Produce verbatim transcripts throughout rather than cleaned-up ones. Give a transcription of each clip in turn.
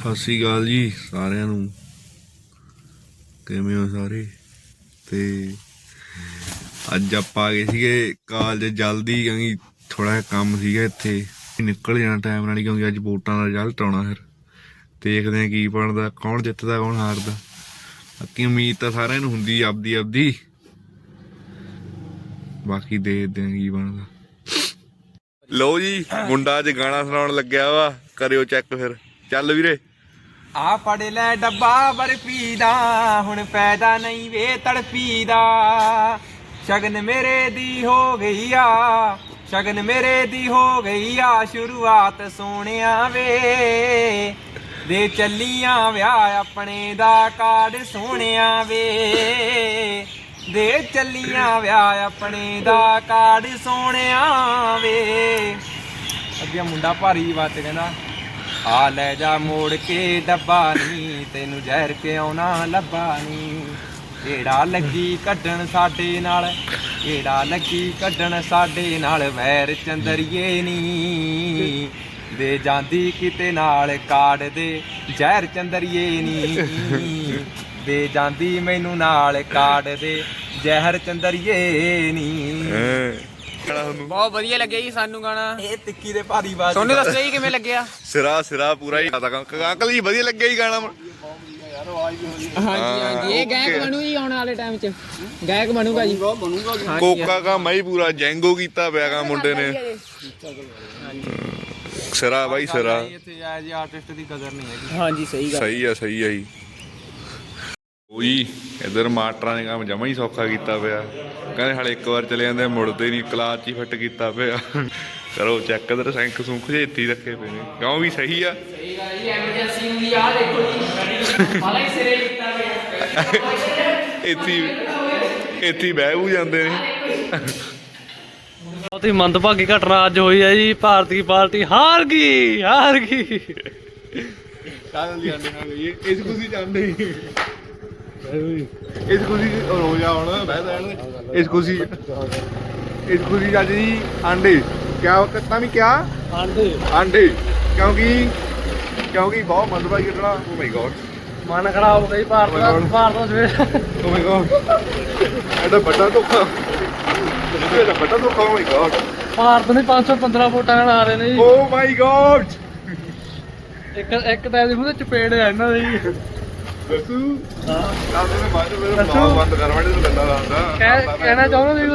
ਸਤਿ ਸ਼੍ਰੀ ਅਕਾਲ ਜੀ ਸਾਰਿਆਂ ਨੂੰ। ਕਿਵੇਂ ਹੋ ਸਾਰੇ? ਤੇ ਅੱਜ ਆਪਾਂ ਆ ਗਏ ਸੀਗੇ ਕਾਲਜ ਜਲਦੀ, ਕਿਉਂਕਿ ਥੋੜਾ ਜਿਹਾ ਕੰਮ ਸੀਗਾ ਇੱਥੇ, ਨਿਕਲ ਜਾਣਾ ਟਾਈਮ ਨਾਲ, ਕਿਉਂਕਿ ਅੱਜ ਵੋਟਾਂ ਦਾ ਰਿਜ਼ਲਟ ਆਉਣਾ। ਫਿਰ ਦੇਖਦੇ ਹਾਂ ਕੀ ਬਣਦਾ, ਕੌਣ ਜਿੱਤਦਾ ਕੌਣ ਹਾਰਦਾ। ਬਾਕੀ ਉਮੀਦ ਤਾਂ ਸਾਰਿਆਂ ਨੂੰ ਹੁੰਦੀ ਆਪਦੀ ਆਪਦੀ, ਬਾਕੀ ਦੇਖਦੇ ਹਾਂ ਕੀ ਬਣਦਾ। ਲਓ ਜੀ, ਮੁੰਡਾ ਅੱਜ ਗਾਣਾ ਸੁਣਾਉਣ ਲੱਗਿਆ ਵਾ, ਕਰਿਓ ਚੈੱਕ। ਫਿਰ ਚੱਲ ਵੀਰੇ। ਆ ਫੜ ਲੈ ਡੱਬਾ ਬਰਫੀ ਦਾ, ਹੁਣ ਪੈਦਾ ਨਹੀਂ ਵੇ ਤੜਫੀ ਦਾ। ਸ਼ਗਨ ਮੇਰੇ ਦੀ ਹੋ ਗਈ ਆ, ਸ਼ਗਨ ਮੇਰੇ ਦੀ ਹੋ ਗਈ ਆ ਸ਼ੁਰੂਆਤ ਸੋਹਣਿਆ ਵੇ। ਦੇ ਚੱਲੀਆਂ ਵਿਆਹ ਆਪਣੇ ਦਾ ਕਾਰਡ ਸੋਹਣਿਆ ਵੇ। ਦੇ ਚੱਲੀਆਂ ਵਿਆਹ ਆਪਣੇ ਦਾ ਕਾਰਡ ਸੋਹਣਿਆ ਵੇ। ਅੱਗੇ ਮੁੰਡਾ ਭਾਰੀ ਬਾਤ ਕਹਿੰਦਾ, ਆ ਲੈ ਜਾ ਮੋੜ ਕੇ ਡੱਬਾ ਨੀ, ਤੈਨੂੰ ਜ਼ਹਿਰ ਕਿਉਂ ਨਾ ਲੱਭਾ ਨੀ। ਕਿਹੜਾ ਲੱਗੀ ਕੱਢਣ ਸਾਡੇ ਨਾਲ, ਕਿਹੜਾ ਲੱਗੀ ਕੱਢਣ ਸਾਡੇ ਨਾਲ ਵੈਰ ਚੰਦਰੀਏ ਨੀ। ਦੇ ਜਾਂਦੀ ਕਿਤੇ ਨਾਲ ਕਾੜ ਦੇ ਜ਼ਹਿਰ ਚੰਦਰੀਏ ਨੀ। ਦੇ ਜਾਂਦੀ ਮੈਨੂੰ ਨਾਲ ਕਾੜ ਦੇ ਜ਼ਹਿਰ ਚੰਦਰੀਏ ਨੀ। ਬਹੁਤ ਵਧੀਆ ਲੱਗਿਆ ਜੀ ਸਾਨੂੰ ਗਾਣਾ। ਇਹ ਟਿੱਕੀ ਦੇ ਭਾਰੀ ਬਾਤ ਤੁਹਾਨੂੰ ਦੱਸਿਆ ਜੀ ਕਿਵੇਂ ਲੱਗਿਆ? ਸਿਰਾ ਸਿਰਾ ਪੂਰਾ ਹੀ ਅੰਕਲ ਜੀ, ਵਧੀਆ ਲੱਗਿਆ ਜੀ ਗਾਣਾ। ਹਾਂਜੀ ਹਾਂਜੀ, ਇਹ ਗਾਇਕ ਬਣੂ ਜੀ ਆਉਣ ਵਾਲੇ ਟਾਈਮ 'ਚ, ਗਾਇਕ ਬਣੂਗਾ ਜੀ। ਕੋਕਾ ਕਾ ਮੈਂ ਹੀ ਪੂਰਾ ਜੈਂਗੋ ਕੀਤਾ ਪਿਆ ਗਾ ਮੁੰਡੇ ਨੇ। ਸਿਰਾ ਬਾਈ ਸਿਰਾ। ਇੱਥੇ ਆ ਜੀ ਆਰਟਿਸਟ ਦੀ ਕਦਰ ਨਹੀਂ ਹੈਗੀ। ਹਾਂਜੀ ਸਹੀ ਗੱਲ। ਸਹੀ ਆ ਸਹੀ ਆ ਜੀ। ਉਹੀ ਇਧਰ ਮਾਸਟਰਾਂ ਨੇ ਕੰਮ ਜਮਾ ਹੀ ਸੌਖਾ ਕੀਤਾ ਪਿਆ। ਕਹਿੰਦੇ ਹਾਲੇ ਇੱਕ ਵਾਰ ਚਲੇ ਜਾਂਦੇ ਮੁੜਦੇ ਨਹੀਂ, ਕਲਾਸ 'ਚ ਹੀ ਫਿੱਟ ਕੀਤਾ ਪਿਆ। ਕਰੋ ਚੈੱਕ, ਇਧਰ ਸੈਂਕ ਸੁੰਖ ਜੇ ਇੱਥੇ ਹੀ ਰੱਖੇ ਪਏ ਨੇ। ਕਿਉਂ ਵੀ ਸਹੀ ਆ। ਸਹੀ ਗੱਲ ਜੀ, ਐਮਰਜੈਂਸੀ ਹੁੰਦੀ ਆ ਦੇਖੋ ਜੀ, ਹਾਲਾ ਹੀ ਸਿਰੇ ਕੀਤਾ ਪਿਆ। ਇੱਥੇ ਇੱਥੇ ਹੀ ਬਹਿ ਬੂ ਜਾਂਦੇ ਨੇ। ਬਹੁਤ ਹੀ ਮੰਦਭਾਗੀ ਘਟਨਾ ਅੱਜ ਹੋਈ ਹੈ ਜੀ। ਭਾਰਤੀ ਪਾਰਟੀ ਹਾਰ ਗਈ, ਹਾਰ ਗਈ। ਇਸ ਖੁਸ਼ੀ ਚਾਹੁੰਦੇ ਇਸ ਖੁਸ਼ੀ ਰੋ ਜਾ ਹੁਣ ਬਹਿ ਜਾਣ। ਇਸ ਖੁਸ਼ੀ ਇਸ ਖੁਸ਼ੀ ਅੱਜ ਜੀ ਆਂਡੇ ਕਿਆ ਕਿਤਾ ਵੀ ਕਿਆ ਆਂਡੇ ਆਂਡੇ, ਕਿਉਂਕਿ ਕਿਉਂਕਿ ਬਹੁਤ ਮੰਦਭਾਗੀ ਘਟਨਾ। ਓ ਮਾਈ ਗॉड, ਮਨ ਖਰਾਬ ਹੋ ਗਿਆ ਭਾਰਤ ਦਾ। ਭਾਰਤ ਦਾ ਸਵੇਰ ਓ ਮਾਈ ਗॉड, ਐਡਾ ਵੱਡਾ ਧੋਖਾ, ਐਡਾ ਵੱਡਾ ਧੋਖਾ। ਓ ਮਾਈ ਗॉड, ਭਾਰਤ ਨੇ ਪੰਜ ਸੌ ਪੰਦਰਾਂ ਵੋਟਾਂ ਨਾਲ ਆ ਰਹੇ ਨੇ ਜੀ। Oh my god. ਇੱਕ ਇੱਕ ਟਾਈਮ ਦੀ ਮੂੰਹ ਤੇ ਚਪੇੜ ਹੈ ਇਹਨਾਂ ਦੀ। ਦੱਸੂ ਹਾਂ ਕਾਹਦੇ ਨੇ ਬਾਅਦ ਵਿੱਚ ਮੇਰਾ ਬੰਦ ਕਰ ਵੜੇ ਨੂੰ ਗੰਦਾ ਲਾਉਂਦਾ। ਕਹਿ- ਕਹਿਣਾ ਚਾਹੁੰਦਾ ਸੀ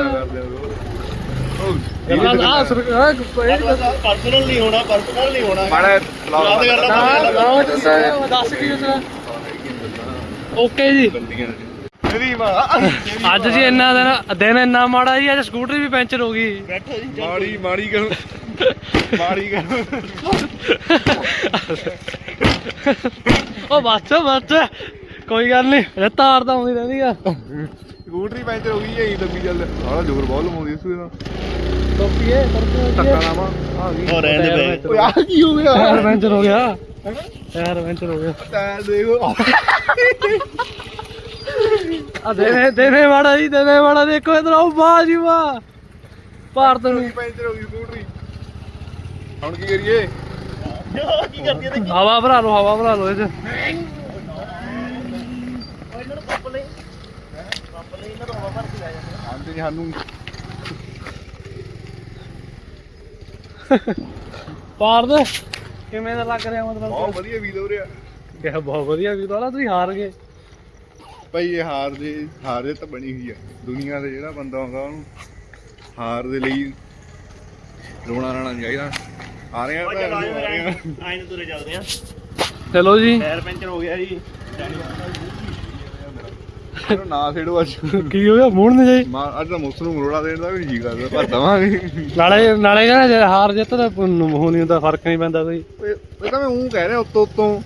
ਆ ਸਰਕਾਰ ਪਰਸਨਲ ਨਹੀਂ ਹੋਣਾ, ਪਰਸਨਲ ਨਹੀਂ ਹੋਣਾ। ਮਾੜਾ ਯਾਦ ਕਰ ਲਾ। ਨਾ ਦੱਸ ਕੀ ਉਸਦਾ। ਓਕੇ ਜੀ, ਮੇਰੀ ਮਾਂ ਅੱਜ ਜੀ ਇੰਨਾ ਦਿਨ ਦਿਨ ਇੰਨਾ ਮਾੜਾ ਜੀ। ਅੱਜ ਸਕੂਟਰੀ ਵੀ ਪੈਂਚਰ ਹੋ ਗਈ। ਬੈਠੋ ਜੀ। ਮਾੜੀ ਮਾੜੀ ਕਰ ਮਾੜੀ ਕਰ। ਉਹ ਬੱਸ ਬੱਸ ਕੋਈ ਗੱਲ ਨਹੀਂ, ਇਹ ਤਾਰ ਤਾਂ ਆਉਂਦੀ ਰਹਿੰਦੀ ਆ। ਸਕੂਟਰੀ ਪੈਂਚਰ ਹੋ ਗਈ ਐ ਦੱਬੀ ਚੱਲ। ਸਾਲਾ ਜ਼ੋਰ ਬਹੁਤ ਲਵਾਉਂਦੀ ਇਸ ਵੇਲੇ ਟੋਪੀਏ ਧੱਕਾ ਲਾਵਾਂ ਆ ਗਈ। ਹੋ ਰਹਿਣ ਦੇ ਬੇ। ਓਏ ਆ ਕੀ ਹੋ ਗਿਆ? ਟਾਇਰ ਪੈਂਚਰ ਹੋ ਗਿਆ, ਟਾਇਰ ਪੈਂਚਰ ਹੋ ਗਿਆ। ਟਾਇਰ ਦੇਖੋ ਆ ਦੇਨੇ ਦੇਨੇ ਵਾਲਾ ਜੀ, ਦੇਨੇ ਵਾਲਾ ਦੇਖੋ ਇਧਰ ਆਓ। ਵਾਹ ਜੀ ਵਾਹ, ਭਾਰਤ ਨੂੰ ਪੈਂਚਰ ਹੋ ਗਈ ਸਕੂਟਰੀ। ਹੁਣ ਕੀ ਕਰੀਏ? ਕੀ ਕਰਦੀ ਹੈ? ਹਵਾ ਭਰਾ ਲਓ, ਹਵਾ ਭਰਾ ਲਓ ਇਹ ਚ। ਇਹਨਾਂ ਨੂੰ ਪੰਪ ਲੈ, ਪੰਪ ਲੈ, ਇਹਨਾਂ ਨੂੰ ਹਵਾ ਭਰ ਕੇ ਲੈ ਜਾਂਦੇ। ਆਂਦੇ ਜੀ ਸਾਨੂੰ ਭਾਰਤ ਕਿਵੇਂ ਦਾ ਲੱਗ ਰਿਹਾ? ਮਤਲਬ ਬਹੁਤ ਵਧੀਆ ਵੀਲ ਹੋ ਰਿਹਾ। ਕਿਹਾ ਬਹੁਤ ਵਧੀਆ ਵੀ ਤਾਂ ਤੁਸੀਂ ਹਾਰ ਗਏ ਭਾਈ। ਇਹ ਹਾਰ ਦੇ ਹਾਰ ਦੇ ਤਾਂ ਬਣੀ ਹੋਈ ਆ ਦੁਨੀਆ ਦੇ। ਜਿਹੜਾ ਬੰਦਾ ਆਉਂਦਾ ਉਹਨੂੰ ਹਾਰ ਦੇ ਲਈ ਰੋਣਾ ਰਾਣਾ ਨਹੀਂ ਚਾਹੀਦਾ। ਆ ਰਹੇ ਆ ਭੈਣ ਨੂੰ, ਆ ਰਹੇ ਆ। ਆਏ ਨੂੰ ਤੁਰੇ ਚੱਲਦੇ ਆ। ਚਲੋ ਜੀ। ਟਾਇਰ ਪੈਂਚਰ ਹੋ ਗਿਆ ਜੀ। ਇਹਨੂੰ ਨਾ ਛੇੜੋ ਅੱਜ। ਕੀ ਹੋ ਗਿਆ? ਮੂਡ ਨਹੀਂ ਜਾਈ। ਮਾਰ ਅੱਜ ਤਾਂ ਮੁੱਸ ਨੂੰ ਮਰੋੜਾ ਦੇਣ ਦਾ ਵੀ ਜੀ ਕਰਦਾ, ਪਰ ਦਵਾਂਗੇ। ਨਾਲੇ ਨਾਲੇ ਕਹਿੰਦਾ ਜੇ ਹਾਰ ਜਿੱਤ ਦਾ ਹੋ ਨਹੀਂ ਹੁੰਦਾ, ਫਰਕ ਨਹੀਂ ਪੈਂਦਾ ਕੋਈ। ਇਹ ਤਾਂ ਮੈਂ ਉਹ ਕਹਿ ਰਿਹਾ ਉੱਤੋਂ ਉੱਤੋਂ।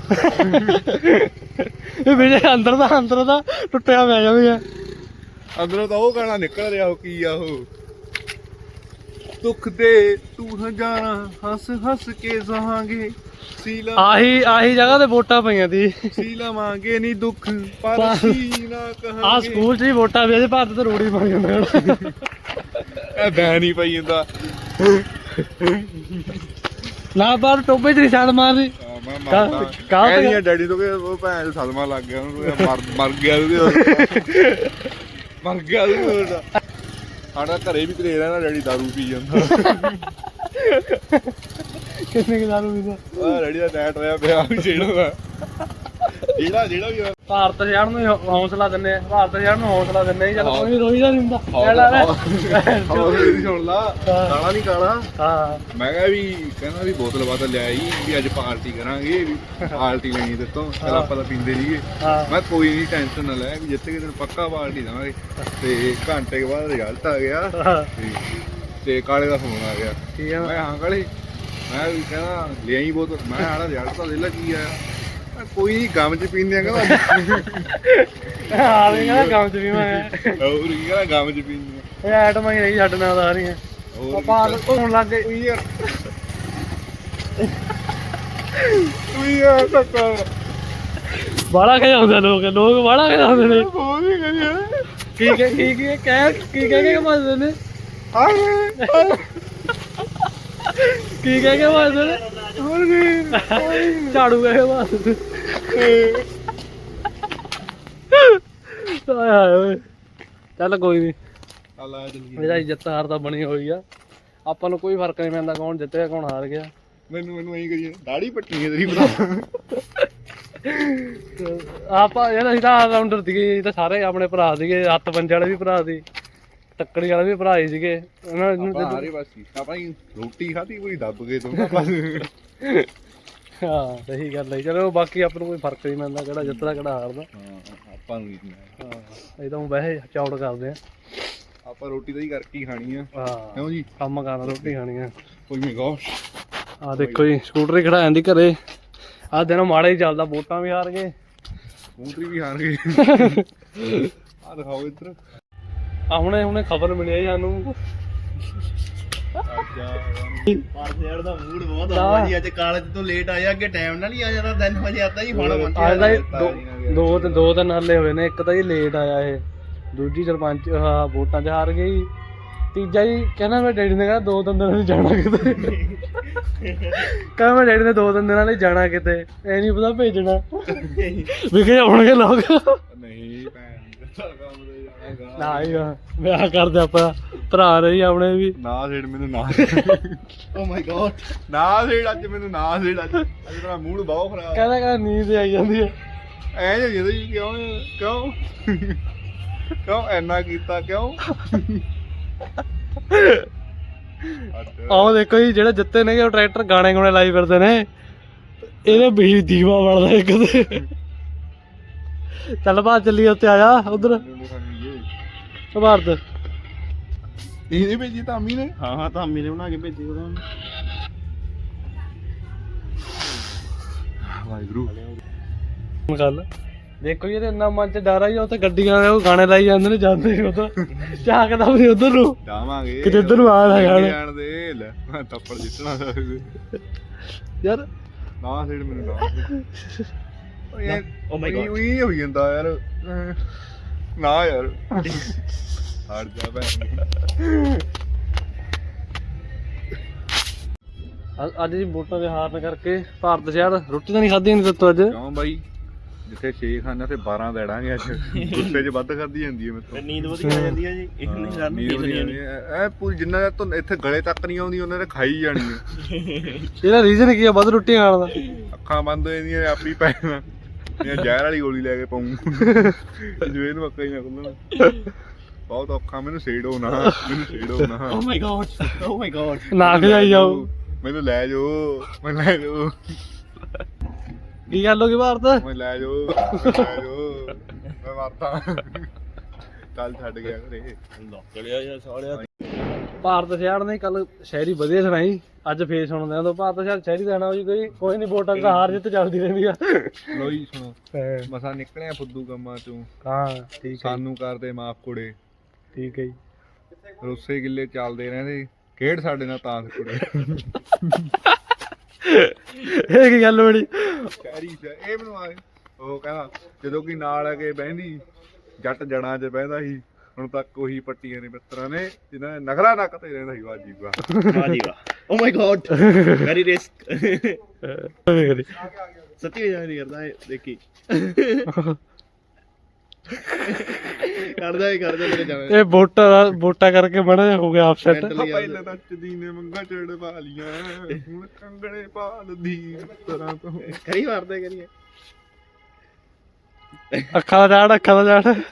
ਇਹ ਵੀਰੇ ਅੰਦਰ ਦਾ ਅੰਦਰ ਦਾ ਟੁੱਟਿਆ ਪਿਆ ਜਾਵੇ। ਅੰਦਰੋਂ ਤਾਂ ਉਹ ਗਾਣਾ ਨਿਕਲ ਰਿਹਾ। ਉਹ ਕੀ ਆ ਉਹ, ਦੁੱਖ ਦੇ ਤੂੰ ਹਜ਼ਾਰਾਂ ਹੱਸ ਹੱਸ ਕੇ ਸਹਾਂਗੇ, ਸੀਲਾ ਆਹੀ ਆਹੀ ਜਗ੍ਹਾ ਤੇ ਵੋਟਾਂ ਪਈਆਂ ਸੀ। ਸੀ ਲਵਾਂਗੇ ਨਹੀਂ ਦੁੱਖ ਪਰ ਸੀ ਨਾ ਕਹਾਂਗੇ। ਆ ਸਕੂਲ 'ਚ ਹੀ ਵੋਟਾਂ ਪਈਆਂ ਸੀ। ਭਾਰਤ ਤੇ ਰੋੜੀ ਬਣ ਜਾਂਦਾ। ਇਹ ਬੈਨ ਹੀ ਪਈ ਜਾਂਦਾ। ਨਾ ਬਾਹਰ ਟੋਬੇ 'ਚ ਨਹੀਂ ਛਾਲ ਮਾਰਦੀ। ਮੈਂ ਕਾਹ- ਮਰਦਾ ਕਾਹ ਤੇ- ਕਹਿੰਦੀ ਡੈਡੀ ਤੋਂ ਕਿ ਉਹ ਭੈਣ ਨੂੰ ਸਦਮਾ ਲੱਗ ਗਿਆ ਉਹਨੂੰ ਮਰ ਮਰ ਗਿਆ ਉਹਦੇ ਮਰ ਗਿਆ ਉਹਦਾ ਸਾਡਾ ਘਰੇ ਵੀ ਘਰੇ ਰਹਿਣਾ ਡੈਡੀ ਦਾਰੂ ਪੀ ਜਾਂਦਾ ਕਿੰਨੇ ਕਿ ਦਾਰੂ ਪੀਂਦਾ ਆ ਡੈਡੀ ਦਾ ਨੈਟ ਹੋਇਆ ਪਿਆ ਵੀ ਜਿਹੜਾ ਜਿਹੜਾ ਜਿਹੜਾ ਵੀ ਹੋਇਆ। ਭਾਰਤ ਸ਼ਹਿਰ ਨੂੰ ਹੀ ਹੌ- ਹੌਸਲਾ ਦਿੰਨੇ ਆ ਭਾਰਤ ਸ਼ਹਿਰ ਨੂੰ ਹੌਸਲਾ ਦਿੰਨੇ ਆ ਚੱਲ ਕੋਈ ਰੋਈ ਦਾ ਨਹੀਂ ਹੁੰਦਾ ਕਹਿ ਲਾ ਲੈ। ਹੌਸਲੇ ਸੁਣ ਲਾ ਕਾਲਾ ਨਹੀਂ ਕਾਲਾ ਹਾਂ ਮੈਂ ਕਿਹਾ ਵੀ ਕਹਿੰਦਾ ਵੀ ਬੋਤਲ ਬਾਤਲ ਲਿਆਈ ਵੀ ਅੱਜ ਪਾਰਟੀ ਕਰਾਂਗੇ ਵੀ ਪਾਰਟੀ ਲੈਣੀ ਤੇ ਤੋਂ ਚਲ ਆਪਾਂ ਤਾਂ ਪੀਂਦੇ ਸੀਗੇ ਹਾਂ ਮੈਂ ਕੋਈ ਨਹੀਂ ਟੈਨਸ਼ਨ ਨਾ ਲੈ ਵੀ ਜਿੱਥੇ ਕਿਤੇ ਪੱਕਾ ਪਾਰਟੀ ਦੇਵਾਂਗੇ ਤੇ ਘੰਟੇ ਕੇ ਬਾਅਦ ਰਿਜ਼ਲਟ ਆ ਗਿਆ ਹਾਂ, ਤੇ ਤੇ ਕਾਲੇ ਦਾ ਫੋਨ ਆ ਗਿਆ ਠੀਕ ਆ ਮੈਂ ਹਾਂ ਕਾਲੇ ਮੈਂ ਵੀ ਕਹਿੰਦਾ ਲਿਆਈ ਬੋਤਲ ਮੈਂ ਆੜਾ ਰਿਜ਼ਲਟ ਤਾਂ ਲੈ ਲਾ ਕੀ ਆ ਮੈਂ ਕੋਈ ਨਹੀਂ ਗਮ ਚ ਪੀਂਦੇ ਆ ਕਹਿੰਦਾ ਆ ਵੀ ਕਹਿੰਦਾ ਕੰਮ ਚ ਵੀ ਮੈਂ ਹੋਰ ਕੀ ਕਹਿੰਦਾ ਗਮ ਚ ਪੀਂਦੇ ਆ ਇਹ ਆਈਟਮਾਂ ਹੀ ਨਹੀਂ ਛੱਡ ਨਾਲ ਆ ਰਹੀਆਂ ਹੋਰ ਆਪਾਂ ਧੋਣ ਲੱਗ ਗਏ ਯਾਰ ਤੂੰ ਯਾਰ ਤੱਕ ਬਾਹਲਾ ਖਿਆਉਂਦੇ ਲੋਕ ਲੋਕ ਬਾਹਲਾ ਖਿਆਉਂਦੇ ਨੇ ਬਹੁਤ ਹੀ ਕਰਿਆ ਕੀ ਕੀ ਕੀ ਕੀ ਕਹਿ ਕੀ ਕਹਿ ਕੇ ਮਾਰਦੇ ਨੇ ਹਾਏ ਕੀ ਕਹਿ ਕੇ ਮਾਰਦੇ ਨੇ ਹੋਰ ਕੀ ਝਾੜੂ ਕਹਿ ਕੇ ਮਾਰਦੇ ਆਏ ਹਾਏ ਓਏ ਚੱਲ ਕੋਈ ਨਹੀਂ ਅੱਲਾ ਜਲਦੀ ਇਹਦਾ ਇੱਜ਼ਤ ਹਾਰ ਤਾਂ ਬਣੀ ਹੋਈ ਆ ਆਪਾਂ ਨੂੰ ਕੋਈ ਫਰਕ ਨਹੀਂ ਪੈਂਦਾ ਕੌਣ ਜਿੱਤਿਆ ਕੌਣ ਹਾਰ ਗਿਆ ਮੈਨੂੰ ਮੈਨੂੰ ਐਂ ਕਰੀਏ ਦਾੜੀ ਪੱਟੀ ਹੈ ਤੇਰੀ ਭਰਾ ਆਪਾਂ ਯਾਰ ਅਸੀਂ ਤਾਂ ਆਲਰਾਊਂਡਰ ਸੀਗੇ ਅਸੀਂ ਤਾਂ ਸਾਰੇ ਆਪਣੇ ਭਰਾ ਸੀਗੇ ਹੱਥ ਪੰਜੇ ਵਾਲੇ ਵੀ ਭਰਾ ਸੀ ਟੱਕੜੀ ਵਾਲੇ ਵੀ ਭਰਾ ਹੀ ਸੀਗੇ ਉਹਨਾਂ ਨੂੰ ਆਪਾਂ ਹਾਰੇ ਬਸ ਆਪਾਂ ਹੀ ਰੋਟੀ ਖਾਧੀ ਪੂਰੀ ਦੱਬ ਗਏ ਤੂੰ ਬਸ ਹਾਂ ਸਹੀ ਗੱਲ ਹੈ ਚਲੋ ਬਾਕੀ ਆਪਾਂ ਨੂੰ ਕੋਈ ਫਰਕ ਨਹੀਂ ਪੈਂਦਾ ਕਿਹੜਾ ਜਿੱਤਦਾ ਕਿਹੜਾ ਹਾਰਦਾ ਹਾਂ ਆਪਾਂ ਨੂੰ ਨਹੀਂ ਹਾਂ ਅਸੀਂ ਤਾਂ ਊਂ ਵੈਸੇ ਚੌੜ ਕਰਦੇ ਆ ਆਪਾਂ ਰੋਟੀ ਤਾਂ ਹੀ ਕਰਕੇ ਹੀ ਖਾਣੀ ਆ ਹਾਂ ਕਿਉਂ ਜੀ ਕੰਮ ਕਰਨਾ ਰੋਟੀ ਖਾਣੀ ਆ ਕੋਈ ਮੇ ਗੋਸ਼ ਆ ਦੇਖੋ ਜੀ ਸਕੂਟਰ ਹੀ ਖੜਾ ਜਾਂਦੀ ਘਰੇ ਆਹ ਦਿਨ ਮਾੜਾ ਹੀ ਚੱਲਦਾ ਵੋਟਾਂ ਵੀ ਹਾਰ ਗਏ ਸਕੂਟਰੀ ਵੀ ਹਾਰ ਗਏ ਆ ਦਿਖਾਓ ਇੱਧਰ ਆ ਹੁਣੇ ਹੁਣੇ ਖਬਰ ਮਿਲੀ ਹੈ ਸਾਨੂੰ ਪਾਰਸੇੜ ਦਾ ਮੂਡ ਬਹੁਤ ਆ ਜੀ ਅੱਜ ਕਾਲਜ ਤੋਂ ਲੇਟ ਆਇਆ ਅੱਗੇ ਟਾਈਮ ਨਾਲ ਹੀ ਆ ਜਾਂਦਾ ਤਿੰਨ ਵਜੇ ਆਤਾ ਜੀ ਹੁਣ ਅੱਜ ਦਾ ਦੋ ਦੋ ਦੋ ਤਿੰਨ ਹੱਲੇ ਹੋਏ ਨੇ ਇੱਕ ਤਾਂ ਜੀ ਲੇਟ ਆਇਆ ਇਹ ਦੂਜੀ ਸਰਪੰਚ ਆਹ ਵੋਟਾਂ 'ਚ ਹਾਰ ਗਈ ਤੀਜਾ ਜੀ ਕਹਿੰਦਾ ਮੈਂ ਡੈਡੀ ਨੇ ਕਹਿੰਦਾ ਦੋ ਤਿੰਨ ਦਿਨਾਂ ਲਈ ਜਾਣਾ ਕਿਤੇ ਕਹਿੰਦਾ ਮੈਂ ਡੈਡੀ ਨੇ ਦੋ ਤਿੰਨ ਦਿਨਾਂ ਲਈ ਜਾਣਾ ਕਿਤੇ ਐ ਨਹੀਂ ਪਤਾ ਭੇਜਣਾ ਵਿਖੇ ਆਉਣਗੇ ਲੋਕ ਨਹੀਂ ਭੈਣ ਦਾ ਕੰਮ ਤੇ ਜਾਣਾ ਨਾ ਹੀ ਵਿਆਹ ਕਰਦੇ ਆਪਾਂ ਭਰਾ ਰਹੀ ਆਪਣੇ ਵੀ ਨਾ ਸੇੜ ਮੈਨੂੰ ਨਾ ਓ ਮਾਈ ਗॉड ਨਾ ਸੇੜ ਅੱਜ ਮੈਨੂੰ ਨਾ ਸੇੜ ਅੱਜ ਅੱਜ ਮੇਰਾ ਮੂਡ ਬਹੁਤ ਖਰਾਬ ਕਹਿੰਦਾ ਕਹਿੰਦਾ ਨੀਂਦ ਆਈ ਜਾਂਦੀ ਹੈ ਐ ਜੇ ਜਦੋਂ ਜੀ ਕਿਉਂ ਕਿਉਂ ਕਿਉਂ ਐਨਾ ਕੀਤਾ ਕਿਉਂ ਆਹ ਦੇਖੋ ਜੀ ਜਿਹੜੇ ਜਿੱਤੇ ਨੇ ਉਹ ਟਰੈਕਟਰ ਗਾਣੇ ਗਾਣੇ ਲਾਈ ਫਿਰਦੇ ਨੇ ਇਹਦੇ ਵੀ ਦੀਵਾ ਬਣਦਾ ਇੱਕ ਤੇ ਚੱਲ ਬਾਹਰ ਚੱਲੀਏ ਉੱਤੇ ਆ ਜਾ ਉਧਰ ਭਾਰਤ ਇਹ ਨਹੀਂ ਭੇਜੀ ਤਾਂ ਅੰਮੀ ਨੇ ਹਾਂ ਹਾਂ ਤਾਂ ਮੇਰੇ ਬਣਾ ਕੇ ਭੇਜੀ ਉਹਦਾ ਵਾਹਿਗੁਰੂ ਗੱਲ ਦੇਖੋ ਜੀ ਇਹਦੇ ਇੰਨਾ ਮਨ ਚ ਡਰ ਆਈ ਉਹ ਤੇ ਗੱਡੀਆਂ ਵਾਲੇ ਉਹ ਗਾਣੇ ਲਾਈ ਜਾਂਦੇ ਨੇ ਜਾਂਦੇ ਨੇ ਉਧਰ ਝਾਕਦਾ ਵੀ ਉਧਰ ਨੂੰ ਜਾਵਾਂਗੇ ਕਿਤੇ ਇੱਧਰ ਨੂੰ ਆ ਨਾ ਜਾਣ ਜਾਣ ਦੇ ਲੈ ਮੈਂ ਥੱਪੜ ਜਿੱਤਣਾ ਯਾਰ ਨਾ ਸੇੜ ਮੈਨੂੰ ਨਾ ਓ ਯਾਰ Oh my God. ਉਹੀ ਹੋਈ ਜਾਂਦਾ ਯਾਰ ਨਾ ਯਾਰ ਹਟ ਜਾ ਭੈਣ ਅ- ਅੱਜ ਜੀ ਵੋਟਾਂ ਦੇ ਹਾਰਨ ਕਰਕੇ ਭਾਰਤ ਸ਼ਹਿਰ ਰੋਟੀ ਤਾਂ ਨਹੀਂ ਖਾਧੀ ਨਹੀਂ ਦਿੱਤੋ ਅੱਜ ਕਿਉਂ ਬਾਈ ਜਿੱਥੇ ਛੇ ਖਾਣਾ ਤੇ ਬਾਰਾਂ ਦੇੜਾਂਗੇ ਅੱਜ ਗੁੱਸੇ 'ਚ ਵੱਧ ਖਾਧੀ ਜਾਂਦੀ ਹੈ ਮੇਰੇ ਨੀਂਦ ਵਧੀਆ ਆ ਜਾਂਦੀ ਆ ਜੀ ਇਹ ਨਹੀਂ ਸਾਨੂੰ ਨੀਂਦ ਨਹੀਂ ਆਉਂਦੀ ਇਹ ਪੂਰੀ ਜਿੰਨਾ ਤੋਂ ਇੱਥੇ ਗਲੇ ਤੱਕ ਨਹੀਂ ਆਉਂਦੀ ਉਹਨਾਂ ਨੇ ਖਾਈ ਜਾਣੀ ਹੈ ਇਹਦਾ ਰੀਜ਼ਨ ਕੀ ਆ ਵੱਧ ਰੋਟੀ ਖਾਣ ਦਾ ਅੱਖਾਂ ਬੰਦ ਹੋ ਜਾਂਦੀਆਂ ਆਪੀ ਪੈਣਾ ਇਹ ਜ਼ਹਿਰ ਵਾਲੀ ਗੋਲੀ ਲੈ ਕੇ ਪਾਉਂ ਜੋ ਇਹਨੂੰ ਅੱਖਾਂ ਹੀ ਨਾ ਖੁੱਲਣ ਬਹੁਤ ਔਖਾ ਮੈਨੂੰ ਸੇੜੋ ਨਾ ਮੈਨੂੰ ਸੇੜੋ ਨਾ ਓ my god O my god ਨਾ ਖਜਾਈ ਜਾਓ ਮੈਨੂੰ ਲੈ ਜਾਓ ਮੈਨੂੰ ਲੈ ਜਾਓ ਕੀ ਗੱਲ ਹੋ ਗਈ ਭਾਰਤ ਮੈਨੂੰ ਲੈ ਜਾਓ ਮੈਨੂੰ ਲੈ ਜਾਓ ਮੈਂ ਮਰਦਾ ਕੱਲ ਛੱਡ ਗਿਆ ਘਰੇ ਲੱਕੜਿਆ ਜਾਂ ਸਾਲਿਆ ਭਾਰਤ ਸ਼ਹਿਰ ਨੇ ਕੱਲ ਸ਼ਾਇਰੀ ਵਧੀਆ ਸੁਣਾਈ ਅੱਜ ਫੇਰ ਸੁਣਦੇ ਆ ਤਾਂ ਭਾਰਤ ਸ਼ਹਿਰ ਸ਼ਾਇਰੀ ਦੇਣਾ ਜੀ ਕੋਈ ਕੋਈ ਨਹੀਂ ਵੋਟਾਂ ਦਾ ਹਾਰ ਜਿੱਤ ਚੱਲਦੀ ਰਹਿੰਦੀ ਆ ਲੋਈ ਸੁਣੋ ਮਸਾ ਨਿਕਲਿਆ ਫੁੱਦੂ ਕੰਮਾਂ ਚੋਂ ਹਾਂ ਠੀਕ ਹੈ ਸਾਨੂੰ ਕਰਦੇ ਮਾਫ ਕੁੜੇ ਠੀਕ ਹੈ ਜੀ ਰੋਸੇ ਗਿੱਲੇ ਚੱਲਦੇ ਰਹਿੰਦੇ ਖੇਡ ਸਾਡੇ ਨਾਲ ਤਾਂ ਕੁੜੇ ਇਹ ਕੀ ਗੱਲ ਬੜੀ ਸ਼ਾਇਰੀ ਇਹ ਮੈਨੂੰ ਆਏ ਉਹ ਕਹਿੰਦਾ ਜਦੋਂ ਕਿ ਨਾਲ ਆ ਕੇ ਬਹਿੰਦੀ ਜੱਟ ਜੜਾਂ 'ਚ ਬਹਿੰਦਾ ਸੀ ਹੁਣ ਤੱਕ ਉਹੀ ਪੱਟੀਆਂ ਨੇ ਮਿੱਤਰਾਂ ਨੇ ਜਿਨ੍ਹਾਂ ਨੇ ਨਖਰਾ ਨੱਕ ਤੇ ਰਹਿੰਦਾ ਸੀ ਵਾਜੀ ਵਾ ਵਾਹ ਜੀ ਵਾਹ oh my god very risk ਸੱਚੀ ਜਾ ਨਹੀਂ ਕਰਦਾ ਇਹ ਦੇਖੀ ਕਰਦਾ ਹੀ ਕਰਦਾ ਮੇਰੇ ਜਾਵੇ ਇਹ ਵੋਟਾਂ ਦਾ ਵੋਟਾਂ ਕਰਕੇ ਬੜਾ ਜਿਹਾ ਹੋ ਗਿਆ ਅਪਸੈਟ ਪਹਿਲਾਂ ਤਾਂ ਚਦੀ ਨੇ ਮੰਗਾ ਚੜ ਪਾ ਲੀਆਂ ਹੁਣ ਕੰਗਣੇ ਪਾਲਦੀ ਤਰ੍ਹਾਂ ਤੋਂ ਕਰੀ ਮਾਰਦੇ ਕਰੀਏ ਅੱਖਾਂ ਦਾ ਝਾੜ ਅੱਖਾਂ ਦਾ ਝਾੜ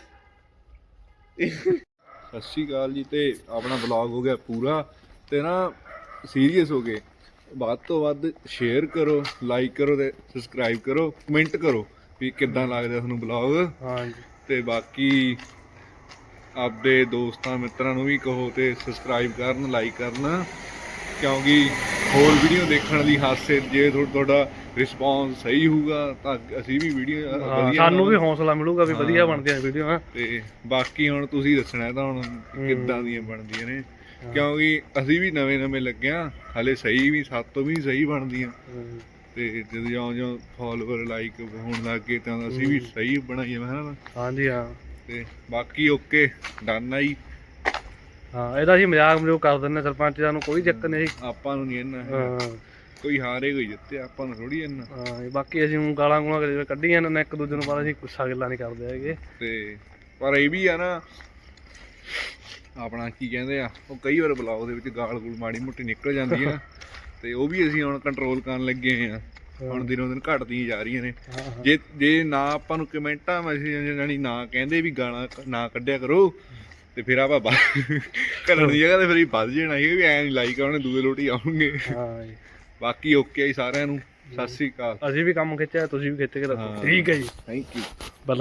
ਸਤਿ ਸ਼੍ਰੀ ਅਕਾਲ ਜੀ। ਤੇ ਆਪਣਾ ਵਲੌਗ ਹੋ ਗਿਆ ਪੂਰਾ ਤੇ ਨਾ ਸੀਰੀਅਸ ਹੋ ਗਏ। ਵੱਧ ਤੋਂ ਵੱਧ ਸ਼ੇਅਰ ਕਰੋ, ਲਾਈਕ ਕਰੋ ਤੇ ਸਬਸਕ੍ਰਾਈਬ ਕਰੋ, ਕਮੈਂਟ ਕਰੋ ਵੀ ਕਿੱਦਾਂ ਲੱਗਦਾ ਤੁਹਾਨੂੰ ਵਲੌਗ। ਹਾਂਜੀ ਤੇ ਬਾਕੀ ਆਪਦੇ ਦੋਸਤਾਂ ਮਿੱਤਰਾਂ ਨੂੰ ਵੀ ਕਹੋ ਤੇ ਸਬਸਕ੍ਰਾਈਬ ਕਰਨ, ਲਾਈਕ ਕਰਨ, ਕਿਉਂਕਿ ਹੋਰ ਵੀਡੀਓ ਦੇਖਣ ਦੀ ਹਾਸੇ ਜੇ ਥੋ- ਤੁਹਾਡਾ ਰਿਸਪੌਂਸ ਸਹੀ ਹੋਊਗਾ ਤਾਂ ਅਸੀਂ ਵੀ ਵੀਡੀਓ ਹਾਂ, ਵਧੀਆ ਸਾਨੂੰ ਵੀ ਬਣਾਵਾਂਗੇ। ਹੌਸਲਾ ਮਿਲੂਗਾ ਵੀ ਵਧੀਆ ਹਾਂ। ਬਣਦੀਆਂ ਵੀਡੀਓ। ਤੇ ਬਾਕੀ ਹੁਣ ਤੁਸੀਂ ਦੱਸਣਾ ਤਾਂ ਹੁਣ ਕਿੱਦਾਂ ਦੀਆਂ ਬਣਦੀਆਂ ਨੇ, ਕਿਉਂਕਿ ਅਸੀਂ ਵੀ ਨਵੇਂ ਨਵੇਂ ਲੱਗੇ ਆ ਹਲੇ, ਸਹੀ ਵੀ ਸਾਤੋਂ ਵੀ ਸਹੀ ਬਣਦੀਆਂ ਤੇ ਜਦੋਂ ਜਿਉਂ ਜਿਉਂ ਫਾਲੋਅਰ ਲਾਈਕ ਹੋਣ ਲੱਗ ਗਏ ਤਾਂ ਅਸੀਂ ਵੀ ਸਹੀ ਬਣਾਈਏ ਮੈਂ ਹਨਾ। ਹਾਂਜੀ ਹਾਂ ਤੇ ਬਾਕੀ ਓਕੇ ਡਨ ਆ ਜੀ। ਹਾਂ ਇਹਦਾ ਅਸੀਂ ਮਜ਼ਾਕ ਮਜ਼ੂਕ ਕਰ ਦਿੰਦੇ ਸਰਪੰਚ ਦਾ ਨੂੰ ਕੋਈ ਚੱਕਰ ਨਹੀਂ। ਆਪਾਂ ਨੂੰ ਨਹੀਂ ਇੰਨਾ ਹਾਂ ਕੋਈ ਹਾਰੇ ਕੋਈ ਜਿੱਤੇ, ਆਪਾਂ ਨੂੰ ਥੋੜੀ ਇੰਨਾ। ਹਾਂ ਬਾਕੀ ਅਸੀਂ ਊਂ ਗਾਲਾਂ ਗੂਲਾਂ ਕਦੇ ਕੱਢੀਆਂ ਨੇ ਇੱਕ ਦੂਜੇ ਨੂੰ, ਪਰ ਅਸੀਂ ਗੁੱਸਾ ਗਿੱਲਾ ਨਹੀਂ ਕਰਦੇ ਹੈਗੇ। ਤੇ ਪਰ ਇਹ ਵੀ ਆ ਨਾ ਆਪਣਾ ਕੀ ਕਹਿੰਦੇ ਆ, ਉਹ ਕਈ ਵਾਰ ਬਲੌਗ ਦੇ ਵਿੱਚ ਗਾਲ ਗੂਲ ਮਾੜੀ ਮੋਟੀ ਨਿਕਲ ਜਾਂਦੀ ਆ ਤੇ ਉਹ ਵੀ ਅਸੀਂ ਹੁਣ ਕੰਟਰੋਲ ਕਰਨ ਲੱਗੇ ਹੋਏ ਆ। ਹੁਣ ਦਿਨੋਂ ਦਿਨ ਘਟਦੀਆਂ ਜਾ ਰਹੀਆਂ ਨੇ। ਜੇ ਜੇ ਨਾ ਆਪਾਂ ਨੂੰ ਕਮੈਂਟਾਂ ਮੈਸੇਜ ਜਾਨੀ ਨਾ ਕਹਿੰਦੇ ਵੀ ਗਾਲਾਂ ਨਾ ਕੱਢਿਆ ਕਰੋ ਤੇ ਫਿਰ ਆਪਾਂ ਕਰਨ ਦੀ ਜਗ੍ਹਾ ਤੇ ਫਿਰ ਵੱਧ ਜਾਣਾ ਸੀ ਵੀ ਐਂ ਨਹੀਂ ਲਾਈਕ ਆਉਣੇ ਦੂਏ ਲੋਟੀ ਆਉਣਗੇ। ਹਾਂ ਜੀ ਬਾਕੀ ਓਕੇ ਜੀ ਸਾਰਿਆਂ ਨੂੰ, ਸਤਿ ਸ੍ਰੀ ਅਕਾਲ। ਅਸੀਂ ਵੀ ਕੰਮ ਖਿੱਚਿਆ, ਤੁਸੀਂ ਵੀ ਖਿੱਚ ਕੇ ਰੱਖੋ। ਹਾਂ। ਠੀਕ ਹੈ ਜੀ, ਥੈਂਕ ਯੂ।